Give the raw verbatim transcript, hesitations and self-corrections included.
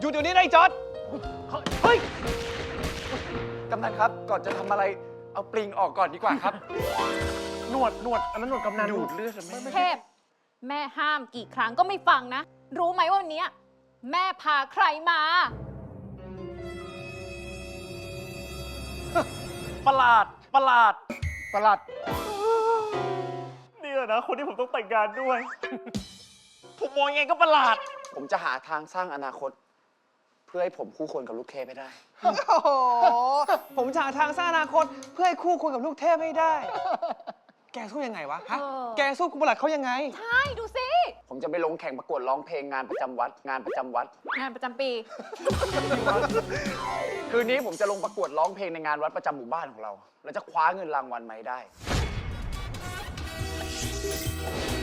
หยุดเดี๋ยวนี้นายจอร์ดเฮ้ยกำนันครับ ก่อนจะทำอะไร เอาปลิงออกก่อนดีกว่าครับหนวดหนวดอันนั้นหนวดกำนันดูดเลือดไม่ไม่เทพ แม่ห้ามกี่ครั้งก็ไม่ฟังนะ รู้ไหมว่าวันนี้แม่พาใครมาประหลาดประหลาดประหลาดนี่แหละนะคนที่ผมต้องแต่งงานด้วย ผมมองยังไงก็ประหลาดผมจะหาทางสร้างอนาคต เพื่อให้ผมคู่ควรกับลูกเทพให้ได้โอ้โห ผมจะหาทางสร้างอนาคตเพื่อให้คู่ควรกับลูกเทพให้ได้ แกสู้ยังไงวะ ฮะเออแกสู้คุณประหลัดเขายังไงใช่ดูสิผมจะไปลงแข่งประกวดร้องเพลงงานประจำวัด งานประจำวัดงานประจำปีคืนนี้ผมจะลงประกวดร้องเพลงในงานวัดประจำหมู่บ้านของเรา แล้วจะคว้าเงินรางวัลมาให้ได้